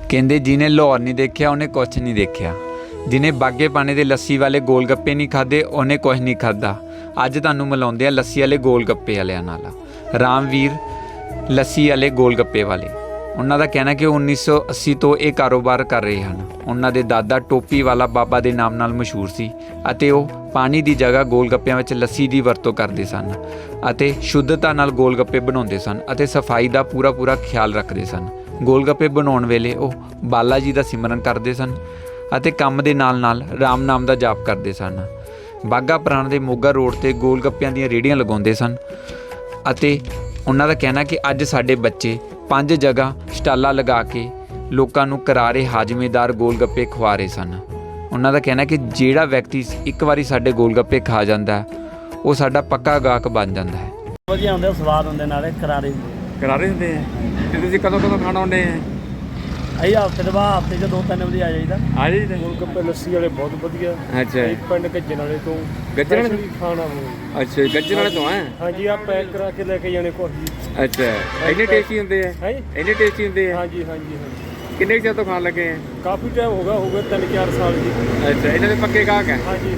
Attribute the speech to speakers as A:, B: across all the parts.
A: ਕਹਿੰਦੇ ਜਿਹਨੇ ਲਾਹੌਰ ਨਹੀਂ ਦੇਖਿਆ ਉਹਨੇ ਕੁਛ ਨਹੀਂ ਦੇਖਿਆ। ਜਿਹਨੇ ਬਾਗੇ ਪਾਣੇ ਦੇ ਲੱਸੀ ਵਾਲੇ ਗੋਲ ਗੱਪੇ ਨਹੀਂ ਖਾਦੇ ਉਹਨੇ ਕੁਛ ਨਹੀਂ ਖਾਦਾ। ਅੱਜ ਤੁਹਾਨੂੰ ਮਿਲਾਉਂਦੇ ਆ ਲੱਸੀ ਵਾਲੇ ਗੋਲ ਗੱਪੇ ਵਾਲਿਆਂ ਨਾਲ। ਰਾਮਵੀਰ ਲੱਸੀ ਵਾਲੇ ਗੋਲ ਗੱਪੇ ਵਾਲੇ, ਉਹਨਾਂ ਦਾ ਕਹਿਣਾ ਕਿ 1980 ਤੋਂ ਇਹ ਕਾਰੋਬਾਰ ਕਰ ਰਹੇ ਹਨ। ਉਹਨਾਂ ਦੇ ਦਾਦਾ ਟੋਪੀ ਵਾਲਾ ਬਾਬਾ ਦੇ ਨਾਮ ਨਾਲ ਮਸ਼ਹੂਰ ਸੀ ਅਤੇ ਉਹ ਪਾਣੀ ਦੀ ਜਗ੍ਹਾ ਗੋਲ ਗੱਪਿਆਂ ਵਿੱਚ ਲੱਸੀ ਦੀ ਵਰਤੋਂ ਕਰਦੇ ਸਨ ਅਤੇ ਸ਼ੁੱਧਤਾ ਨਾਲ ਗੋਲ ਗੱਪੇ ਬਣਾਉਂਦੇ ਸਨ ਅਤੇ ਸਫਾਈ ਦਾ ਪੂਰਾ ਖਿਆਲ ਰੱਖਦੇ ਸਨ। ਗੋਲ ਗੱਪੇ ਬਣਾਉਣ ਵੇਲੇ ਉਹ ਬਾਲਾ ਜੀ ਦਾ ਸਿਮਰਨ ਕਰਦੇ ਸਨ ਅਤੇ ਕੰਮ ਦੇ ਨਾਲ ਰਾਮ ਨਾਮ ਦਾ ਜਾਪ ਕਰਦੇ ਸਨ। ਬਾਘਾ ਪੁਰਾਣਾ ਦੇ ਮੋਗਾ ਰੋਡ 'ਤੇ ਗੋਲ ਗੱਪਿਆਂ ਦੀਆਂ ਰੇਹੜੀਆਂ ਲਗਾਉਂਦੇ ਸਨ ਅਤੇ ਉਹਨਾਂ ਦਾ ਕਹਿਣਾ ਕਿ ਅੱਜ ਸਾਡੇ ਬੱਚੇ 5 ਜਗ੍ਹਾ ਸਟਾਲਾਂ ਲਗਾ ਕੇ ਲੋਕਾਂ ਨੂੰ ਕਰਾਰੇ ਹਾਜ਼ਮੇਦਾਰ ਗੋਲ ਗੱਪੇ ਖਵਾ ਰਹੇ ਸਨ। ਉਹਨਾਂ ਦਾ ਕਹਿਣਾ ਕਿ ਜਿਹੜਾ ਵਿਅਕਤੀ ਇੱਕ ਵਾਰੀ ਸਾਡੇ ਗੋਲ ਗੱਪੇ ਖਾ ਜਾਂਦਾ ਉਹ ਸਾਡਾ ਪੱਕਾ ਗਾਹਕ ਬਣ ਜਾਂਦਾ ਹੈ।
B: ਵਧੀਆ ਹੁੰਦੇ, ਸਵਾਦ ਹੁੰਦੇ, ਨਾਲੇ ਕਰਾਰੇ
A: ਹੁੰਦੇ ਆ। ਤੇ ਤੁਸੀਂ ਕਦੋਂ ਖਾਣਾ ਆਉਂਦੇ ਆ?
B: ਅਸੀਂ ਹਫ਼ਤੇ ਦੇ ਬਾਅਦ ਹਫ਼ਤੇ 'ਚ 2-3 ਵਜੇ ਆ ਜਾਈਦਾ।
C: ਗੋਲ ਗੱਪੇ ਲੱਸੀ ਵਾਲੇ ਬਹੁਤ ਵਧੀਆ।
A: ਅੱਛਾ,
C: ਪਿੰਡ ਗੱਜਣ ਵਾਲੇ ਤੋਂ ਖਾਣਾ।
A: ਅੱਛਾ, ਗੱਜਣ ਵਾਲੇ ਤੋਂ ਹੈ?
C: ਹਾਂਜੀ, ਆ ਪੈਕ ਕਰਾ ਕੇ ਲੈ ਕੇ ਜਾਣੇ ਕੋਲ।
A: ਅੱਛਾ, ਇੰਨੇ ਟੇਸਟੀ ਹੁੰਦੇ ਆ? ਇੰਨੇ ਟੇਸਟੀ ਹੁੰਦੇ ਆ?
C: ਹਾਂਜੀ।
A: ਕਿੰਨੇ ਚਿਰ ਤੋਂ ਖਾਣ ਲੱਗੇ ਆ?
C: ਕਾਫੀ ਟਾਈਮ ਹੋ ਗਿਆ 3-4 ਸਾਲ ਜੀ।
A: ਅੱਛਾ, ਇਹਨਾਂ ਦੇ ਪੱਕੇ ਗਾਹਕ ਹੈ?
C: ਹਾਂਜੀ।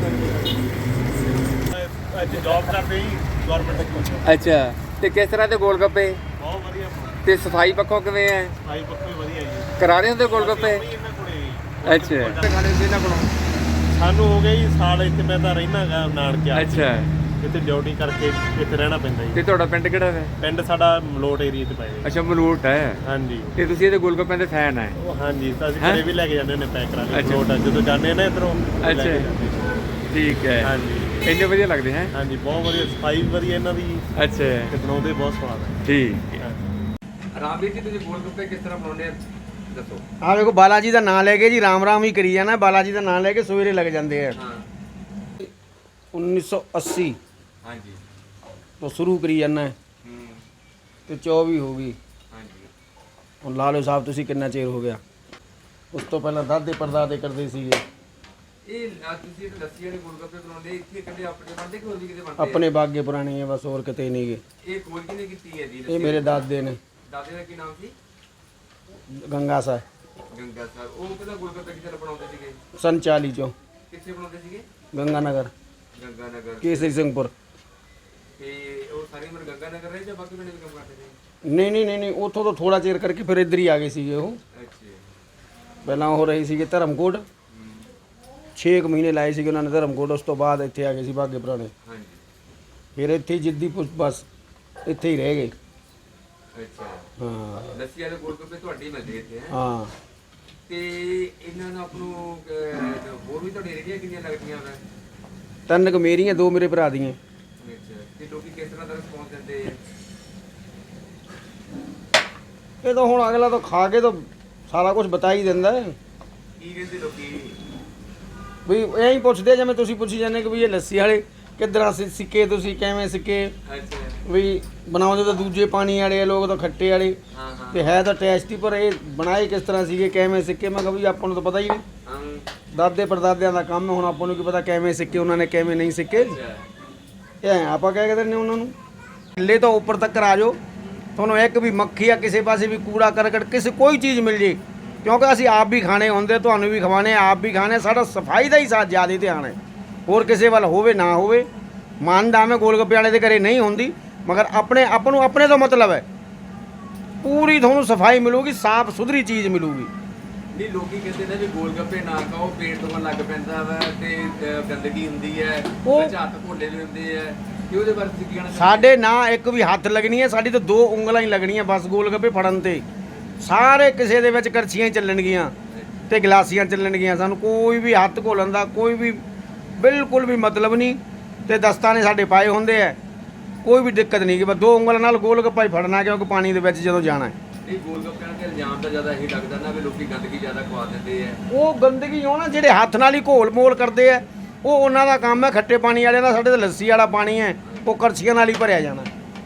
B: ਅੱਜ ਜੌਬ ਕਰਦੇ ਜੀ ਗਵਰਨਮੈਂਟ ਕੋਲ।
A: ਅੱਛਾ, ਤੇ ਕਿਸ ਤਰ੍ਹਾਂ ਦੇ ਗੋਲ ਗੱਪੇ?
B: ਬਹੁਤ ਵਧੀਆ।
A: ਤੇ ਸਫਾਈ ਪੱਖੋਂ ਕਿਵੇਂ ਹੈ?
B: ਸਫਾਈ ਪੱਖੋਂ ਵਧੀਆ ਜੀ।
A: ਕਰਾਰੇ ਹੁੰਦੇ ਗੋਲ ਗੱਪੇ?
B: ਇਹਨਾਂ ਕੋਲੇ
A: ਅੱਛਾ, ਖਾਣੇ ਹੁੰਦੇ ਇਹਨਾਂ ਕੋਲੋਂ?
B: ਸਾਨੂੰ ਹੋ ਗਿਆ ਜੀ ਸਾਲ ਇੱਥੇ, ਮੈਂ ਤਾਂ ਰਹਿਣਾ ਗਾ ਨਾਨਕਿਆ।
A: ਅੱਛਾ,
B: ਇੱਥੇ ਡਿਊਟੀ ਕਰਕੇ ਇੱਥੇ ਰਹਿਣਾ ਪੈਂਦਾ ਜੀ।
A: ਤੇ ਤੁਹਾਡਾ ਪਿੰਡ ਕਿਹੜਾ ਹੈ?
B: ਪਿੰਡ ਸਾਡਾ ਮਲੋਟ ਏਰੀਆ 'ਚ ਪਏ।
A: ਅੱਛਾ, ਮਲੂਟ ਹੈ।
B: ਹਾਂਜੀ।
A: ਤੇ ਤੁਸੀਂ ਇਹਦੇ ਗੋਲ ਗੱਪਿਆਂ ਦੇ ਫੈਨ ਹੈ?
B: ਹਾਂਜੀ, ਤਾਂ ਅਸੀਂ ਘਰੇ ਵੀ ਲੈ ਕੇ ਜਾਂਦੇ ਹੁੰਦੇ ਪੈਕ ਕਰਾ ਕੇ।
A: ਅੱਛਾ।
B: ਮਲੋਟ ਜਦੋਂ ਜਾਂਦੇ ਨਾ ਇੱਧਰੋਂ
A: ਅੱਛਾ, ਠੀਕ ਹੈ।
B: ਹਾਂਜੀ,
A: ਇੰਨੇ ਵਧੀਆ ਲੱਗਦੇ ਹੈ?
B: ਹਾਂਜੀ, ਬਹੁਤ ਵਧੀਆ। ਸਫਾਈ ਵੀ ਵਧੀਆ ਇਹਨਾਂ ਦੀ
A: ਅੱਛਾ,
B: ਤੇ ਬਣਾਉਂਦੇ ਬਹੁਤ ਸਵਾਦ ਹੈ।
A: ਠੀਕ ਹੈ। ਰਾਮਵੀਰ ਜੀ, ਤੁਸੀਂ ਗੋਲ ਗੱਪੇ ਕਿਸ ਤਰ੍ਹਾਂ ਬਣਾਉਂਦੇ ਆ ਦੱਸੋ?
D: ਆ ਦੇਖੋ, ਬਾਲਾ ਜੀ ਦਾ ਨਾਂ ਲੈ ਕੇ ਜੀ ਰਾਮ ਹੀ ਕਰੀ ਜਾਣਾ। ਬਾਲਾ ਜੀ ਦਾ ਨਾਂ ਲੈ ਕੇ ਸਵੇਰੇ ਲੱਗ ਜਾਂਦੇ ਆ।
A: ਹਾਂ।
D: 1980
A: ਹਾਂਜੀ।
D: ਤੋਂ ਸ਼ੁਰੂ ਕਰੀ ਜਾਣਾ ਤੇ 24 ਹੋ ਗਈ।
A: ਹਾਂਜੀ।
D: ਹੁਣ ਲਾ ਲਓ ਸਾਹਿਬ ਤੁਸੀਂ ਕਿੰਨਾ ਚਿਰ ਹੋ ਗਿਆ। ਉਸ ਤੋਂ ਪਹਿਲਾਂ ਦਾਦੇ ਪੜਦਾਦੇ ਕਰਦੇ ਸੀਗੇ।
A: ਇਹ ਤੁਸੀਂ ਲੱਸੀ ਵਾਲੇ ਗੋਲ ਗੱਪੇ ਬਣਾਉਂਦੇ ਇੱਥੇ ਕਦੇ ਆਪਣੇ ਬਣਦੇ ਕਿ ਹੋਰ ਵੀ ਕਿਤੇ ਬਣਦੇ?
D: ਆਪਣੇ ਬਾਗੇ ਪੁਰਾਣੇ ਆ, ਬਸ ਹੋਰ ਕਿਤੇ ਨਹੀਂ ਗਏ।
A: ਇਹ ਖੋਜ ਕਿਹਨੇ ਕੀਤੀ ਹੈ ਜੀ?
D: ਇਹ ਮੇਰੇ ਦਾਦੇ ਨੇ।
A: ਦਾਦੇ ਦਾ ਕੀ ਨਾਮ ਸੀ?
D: ਗੰਗਾ ਸਾਹਿਬ।
A: ਗੰਗਾ ਸਾਹਿਬ। ਉਹ ਕਿਹਦਾ ਗੋਲ ਗੱਪੇ ਕਿੱਥੇ ਬਣਾਉਂਦੇ ਸੀਗੇ?
D: ਸੰਨ 40 ਚੋਂ।
A: ਕਿੱਥੇ ਬਣਾਉਂਦੇ ਸੀਗੇ?
D: ਗੰਗਾ ਨਗਰ,
A: ਗੰਗਾ ਨਗਰ,
D: ਕੇਸਰੀ ਸਿੰਘਪੁਰ।
A: ਤੇ ਉਹ ਸਾਰੀ ਉਮਰ ਗੰਗਾ ਨਗਰ ਰਹੇ ਜਾਂ ਬਾਕੀ ਪਿੰਡ ਵੀ ਕੰਮ ਕਰਦੇ ਸੀ?
D: ਨਹੀਂ, ਉੱਥੋਂ ਤੋਂ ਥੋੜਾ ਚਿਰ ਕਰਕੇ ਫਿਰ ਇੱਧਰ ਹੀ ਆ ਗਏ ਸੀਗੇ ਉਹ।
A: ਅੱਛਾ।
D: ਪਹਿਲਾਂ ਉਹ ਰਹੇ ਸੀਗੇ ਧਰਮਕੋਟ। 6 ਮਹੀਨੇ ਲਾਏ ਸੀਗੇ ਉਹਨਾਂ ਨੇ ਧਰਮਕੋਟ। ਉਸ ਤੋਂ ਬਾਅਦ ਇੱਥੇ ਆ ਗਏ ਸੀ ਬਾਗੇ ਪੁਰਾਣੇ।
A: ਹਾਂਜੀ।
D: ਫਿਰ ਇੱਥੇ ਜਿੱਦੀ ਬਸ ਇੱਥੇ ਹੀ ਰਹਿ ਗਏ।
A: ਅੱਛਾ।
D: ਹਾਂ
A: ਲੱਸੀ ਵਾਲੇ ਗੋਲ ਗੱਪੇ ਤੁਹਾਡੇ ਹੀ ਮਿਲਦੇ ਇੱਥੇ ਹੈ?
D: ਹਾਂ।
A: ਤੇ ਇਹਨਾਂ ਨੂੰ ਆਪ ਨੂੰ ਹੋਰ ਵੀ ਤੁਹਾਡੀ ਰੇਹੜੀਆਂ ਕਿੰਨੀਆਂ ਲੱਗਦੀਆਂ ਵਾ?
D: 3 ਕੁ ਮੇਰੀਆਂ, 2 ਮੇਰੇ ਭਰਾ ਦੀਆਂ।
A: ਅੱਛਾ, ਤੇ ਲੋਕੀ ਕਿਸ ਤਰ੍ਹਾਂ ਦਾ ਰਿਸਪੌਂਸ ਦਿੰਦੇ ਆ?
D: ਇਹ ਤਾਂ ਹੁਣ ਅਗਲਾ ਤਾਂ ਖਾ ਕੇ ਤਾਂ ਸਾਰਾ ਕੁਝ ਬਤਾ ਹੀ ਦਿੰਦਾ ਹੈ।
A: ਕੀ ਕਹਿੰਦੇ ਲੋਕੀ?
D: ਵੀ ਐਂ ਹੀ ਪੁੱਛਦੇ ਜਿਵੇਂ ਤੁਸੀਂ ਪੁੱਛੀ ਜਾਂਦੇ ਕਿ ਵੀ ਇਹ ਲੱਸੀ ਵਾਲੇ ਕਿੱਦਾਂ ਸਿੱਕੇ, ਤੁਸੀਂ ਕਿਵੇਂ ਸਿੱਕੇ?
A: ਅੱਛਾ।
D: ਵੀ ਬਣਾਉਂਦੇ ਤਾਂ ਦੂਜੇ ਪਾਣੀ ਵਾਲੇ ਆ, ਲੋਕ ਤਾਂ ਖੱਟੇ ਵਾਲੇ।
A: ਹਾਂ।
D: ਤੇ ਹੈ ਤਾਂ ਟੇਸਟੀ, ਪਰ ਇਹ ਬਣਾਏ ਕਿਸ ਤਰ੍ਹਾਂ ਸੀਗੇ, ਕਿਵੇਂ ਸਿੱਕੇ? ਮੈਂ ਕਿਹਾ ਵੀ ਆਪਾਂ ਨੂੰ ਤਾਂ ਪਤਾ ਹੀ ਨਹੀਂ।
A: ਹਾਂ।
D: ਦਾਦੇ ਪੜਦਾਦਿਆਂ ਦਾ ਕੰਮ ਹੈ, ਹੁਣ ਆਪਾਂ ਨੂੰ ਕੀ ਪਤਾ ਕਿਵੇਂ ਸਿੱਕੇ ਉਹਨਾਂ ਨੇ, ਕਿਵੇਂ ਨਹੀਂ ਸਿੱਕੇ। ਇਹ ਆਪਾਂ ਕਹਿ ਦਿੰਦੇ ਉਹਨਾਂ ਨੂੰ ਥੱਲੇ ਤੋਂ ਉੱਪਰ ਤੱਕ ਆ ਜਾਓ, ਤੁਹਾਨੂੰ ਇੱਕ ਵੀ ਮੱਖੀ ਆ ਕਿਸੇ ਪਾਸੇ ਵੀ ਕੂੜਾ ਕਰਕਟ ਕਿਸੇ ਕੋਈ ਚੀਜ਼ ਮਿਲ ਜੇ, ਕਿਉਂਕਿ ਅਸੀਂ ਆਪ ਵੀ ਖਾਣੇ ਹੁੰਦੇ, ਤੁਹਾਨੂੰ ਵੀ ਖਵਾਣੇ, ਆਪ ਵੀ ਖਾਣੇ। ਸਾਡਾ ਸਫਾਈ ਦਾ ਹੀ ਸਾਥ ਜ਼ਿਆਦਾ ਧਿਆਨ ਹੈ, ਹੋਰ ਕਿਸੇ ਵੱਲ ਹੋਵੇ ਨਾ ਹੋਵੇ। ਮੰਨਦਾ ਮੈਂ ਗੋਲ ਗੱਪੇ ਵਾਲੇ ਦੇ ਘਰੇ ਨਹੀਂ ਹੁੰਦੀ, ਮਗਰ ਆਪਣੇ ਤੋਂ ਮਤਲਬ ਹੈ ਪੂਰੀ ਤੁਹਾਨੂੰ ਸਫਾਈ ਮਿਲੂਗੀ, ਸਾਫ਼ ਸੁਥਰੀ ਚੀਜ਼ ਮਿਲੂਗੀ।
A: ਨਹੀਂ, ਲੋਕੀ ਕਹਿੰਦੇ ਨੇ ਵੀ ਗੋਲ ਗੱਪੇ ਨਾ ਖਾਓ, ਪੇਟ ਤੋਂ ਲੱਗ ਪੈਂਦਾ ਵਾ ਤੇ ਗੰਦਗੀ ਹੁੰਦੀ ਹੈ, ਵਿੱਚ ਹੱਥ ਘੋਲੇ ਵੀ ਹੁੰਦੇ ਆ, ਕਿ ਉਹਦੇ ਬਾਰੇ ਤੁਸੀਂ ਕੀ ਕਹਿਣਾ?
D: ਸਾਡੇ ਨਾ ਇੱਕ ਵੀ ਹੱਥ ਲੱਗਣੀ ਹੈ, ਸਾਡੀ ਤਾਂ 2 ਉਂਗਲਾਂ ਹੀ ਲੱਗਣੀਆਂ ਬਸ ਗੋਲ ਗੱਪੇ ਫੜਨ ਤੇ। ਸਾਰੇ ਕਿਸੇ ਦੇ ਵਿੱਚ ਕਰਛੀਆਂ ਹੀ ਚੱਲਣਗੀਆਂ ਤੇ ਗਲਾਸੀਆਂ ਚੱਲਣਗੀਆਂ। ਸਾਨੂੰ ਕੋਈ ਵੀ ਹੱਥ ਘੋਲਣ ਦਾ ਕੋਈ ਵੀ ਬਿਲਕੁਲ ਵੀ ਮਤਲਬ ਨਹੀਂ। ਤੇ ਦਸਤਾਨੇ ਸਾਡੇ ਪਾਏ ਹੁੰਦੇ ਆ, ਕੋਈ ਵੀ ਦਿੱਕਤ ਨਹੀਂ ਕਿ ਬਸ 2 ਉਂਗਲਾਂ ਨਾਲ ਗੋਲ ਗੱਪਾ ਹੀ ਫੜਨਾ, ਕਿਉਂਕਿ ਪਾਣੀ ਦੇ ਵਿੱਚ ਜਦੋਂ ਜਾਣਾ ਹੈ।
A: ਇਹ ਗੋਲ ਗੱਪਿਆਂ ਦੇ ਇਲਜ਼ਾਮ ਤਾਂ ਜ਼ਿਆਦਾ ਇਹੀ ਲੱਗਦਾ ਨਾ ਵੀ ਲੋਕੀ ਗੰਦਗੀ ਜ਼ਿਆਦਾ ਖਵਾ ਦਿੰਦੇ ਆ।
D: ਉਹ ਗੰਦਗੀ ਉਹ ਨਾ ਜਿਹੜੇ ਹੱਥ ਨਾਲ ਹੀ ਘੋਲ ਮੋਲ ਕਰਦੇ ਆ, ਉਹ ਉਹਨਾਂ ਦਾ ਕੰਮ ਹੈ। ਖੱਟੇ ਪਾਣੀ ਵਾਲਿਆਂ ਦਾ, ਸਾਡੇ ਤਾਂ ਲੱਸੀ ਵਾਲਾ ਪਾਣੀ ਹੈ, ਉਹ ਕਰਛੀਆਂ ਨਾਲ ਹੀ ਭਰਿਆ ਜਾਣਾ।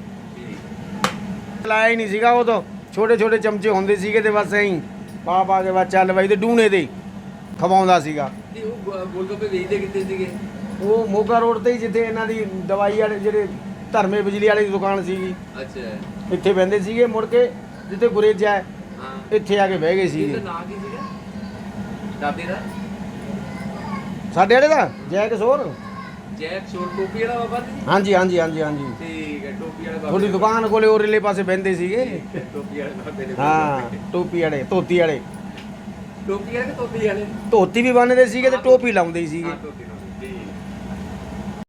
D: ਲਾਇਆ ਹੀ ਨਹੀਂ ਸੀਗਾ, ਉਹ ਤਾਂ ਛੋਟੇ ਚਮਚੇ ਹੁੰਦੇ ਸੀਗੇ ਤੇ ਬਸ ਐਂ ਪਾ ਕੇ ਬਸ ਚੱਲ ਬਾਈ ਤੇ ਡੂਣੇ ਦੇ ਖਵਾਉਂਦਾ ਸੀਗਾ।
A: ਤੇ ਉਹ ਗੋਲ ਗੱਪੇ ਵੇਚਦੇ ਕਿੱਥੇ ਸੀਗੇ?
D: ਉਹ ਮੋਗਾ ਰੋਡ ਤੇ ਹੀ, ਜਿੱਥੇ ਇਹਨਾਂ ਦੀ ਦਵਾਈ ਵਾਲੇ ਜਿਹੜੇ ਧਰਮੇ ਬਿਜਲੀ ਵਾਲੀ ਦੀ ਦੁਕਾਨ ਸੀਗੀ,
A: ਅੱਛਾ।
D: ਇੱਥੇ ਬਹਿੰਦੇ ਸੀਗੇ। ਮੁੜ ਕੇ ਜਿੱਥੇ ਗੁਰੇਜਾ ਹੈ, ਇੱਥੇ ਆ ਕੇ ਬਹਿ ਗਏ ਸੀਗੇ।
A: ਨਾਂ ਕੀ ਸੀਗਾ ਦਾਦੇ ਦਾ?
D: ਸਾਡੇ ਵਾਲੇ ਦਾ ਜੈ ਕਿਸ਼ੋਰ।
A: ਜੈਕ ਸ਼ੋਰ ਟੋਪੀ ਵਾਲਾ ਬਾਬਾ ਜੀ?
D: ਹਾਂਜੀ ਹਾਂਜੀ ਹਾਂਜੀ ਹਾਂਜੀ,
A: ਠੀਕ ਹੈ, ਟੋਪੀ ਵਾਲਾ ਬਾਬਾ
D: ਤੁਹਾਡੀ ਦੁਕਾਨ ਕੋਲੇ ਉਰਲੇ ਪਾਸੇ ਬਹਿੰਦੇ ਸੀਗੇ।
A: ਟੋਪੀ ਵਾਲੇ ਬਾਬੇ ਦੇ
D: ਹਾਂ, ਟੋਪੀ ਵਾਲੇ, ਧੋਤੀ ਵਾਲੇ।
A: ਟੋਪੀ ਵਾਲੇ ਕਿ ਟੋਪੀ ਵਾਲੇ?
D: ਧੋਤੀ ਵੀ ਬੰਨਦੇ ਸੀਗੇ ਤੇ ਟੋਪੀ ਲਾਉਂਦੇ ਸੀਗੇ।
A: ਟੋਪੀ